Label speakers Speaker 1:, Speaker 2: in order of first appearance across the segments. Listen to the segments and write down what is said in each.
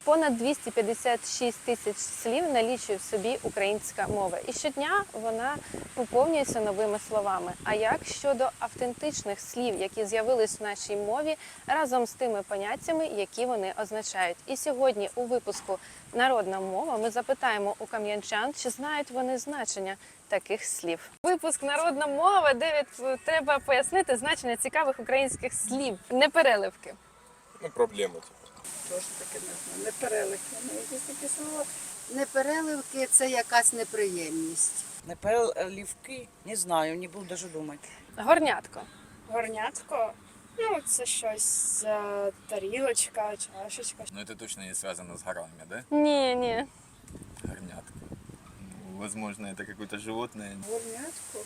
Speaker 1: Понад 256 тисяч слів налічує в собі українська мова. І щодня вона поповнюється новими словами. А як щодо автентичних слів, які з'явились в нашій мові разом з тими поняттями, які вони означають? І сьогодні у випуску «Народна мова» ми запитаємо у кам'янчан, чи знають вони значення таких слів. Випуск «Народна мова», де треба пояснити значення цікавих українських слів, не переливки.
Speaker 2: Ну, проблеми.
Speaker 3: Тож таке не знаю. Непереливки. Ну, якісь такі слова.
Speaker 4: Непереливки – це якась неприємність.
Speaker 5: Непереливки? Не знаю, не буду даже думати.
Speaker 1: Горнятко.
Speaker 3: Горнятко. Ну, це щось тарілочка, чашечка.
Speaker 2: Но это точно не связано с горами, да?
Speaker 1: Ні.
Speaker 2: Горнятка. Ну, возможно, это какое-то животное.
Speaker 3: Горнятко.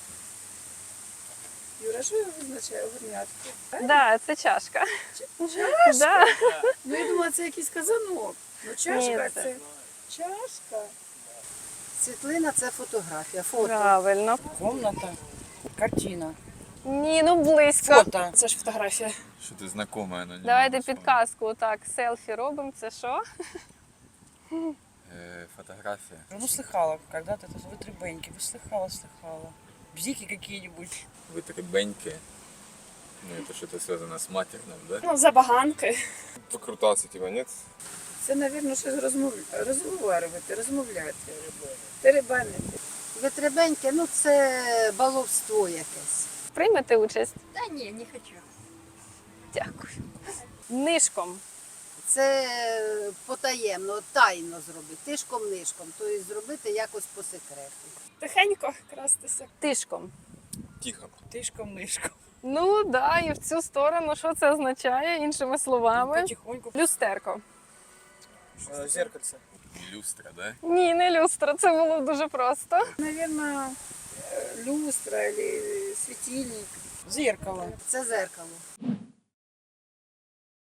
Speaker 3: Юра, що означає горнятко?
Speaker 1: Да, це чашка.
Speaker 3: Чашка?
Speaker 1: Да.
Speaker 3: Ну, я думала, це якийсь казанок. Ну, чашка
Speaker 1: Ні,
Speaker 3: це. Чашка.
Speaker 4: Світлина – це фотографія, фото.
Speaker 1: Правильно.
Speaker 5: Комната, картина,
Speaker 1: Ні, ну близько.
Speaker 5: фото.
Speaker 3: Це ж фотографія.
Speaker 2: Что-то знакомое, но не
Speaker 1: Давайте
Speaker 2: могу вспомнить.
Speaker 1: підказку. Так, селфі робимо. Це що?
Speaker 2: Фотография.
Speaker 5: Ну, слыхала, когда-то это вытребеньки, слыхала. Бзики какие-нибудь.
Speaker 2: Вытребеньки. Ну, это что-то связано с матерным, да?
Speaker 3: Ну, забаганки.
Speaker 2: Покрутаться, типа, нет?
Speaker 3: Це, мабуть, щось розмовляти. Теребанити.
Speaker 4: Витребеньке – ну це баловство якесь.
Speaker 1: Приймете участь?
Speaker 4: Та ні, не хочу.
Speaker 1: Дякую. Нишком.
Speaker 4: Це потаємно, тайно зробити, тишком-нишком, тобто зробити якось по секрету.
Speaker 3: Тихенько крастися.
Speaker 1: Тишком.
Speaker 2: Тихо.
Speaker 5: Тишком-нишком.
Speaker 1: Ну, да, і в цю сторону. Що це означає, іншими словами?
Speaker 5: Потихоньку.
Speaker 1: Люстерко.
Speaker 5: Зеркальце.
Speaker 2: Люстра, да?
Speaker 1: Ні, не люстра, це було дуже просто.
Speaker 3: Наверное, люстра или светильник.
Speaker 5: Зеркало.
Speaker 4: Це зеркало.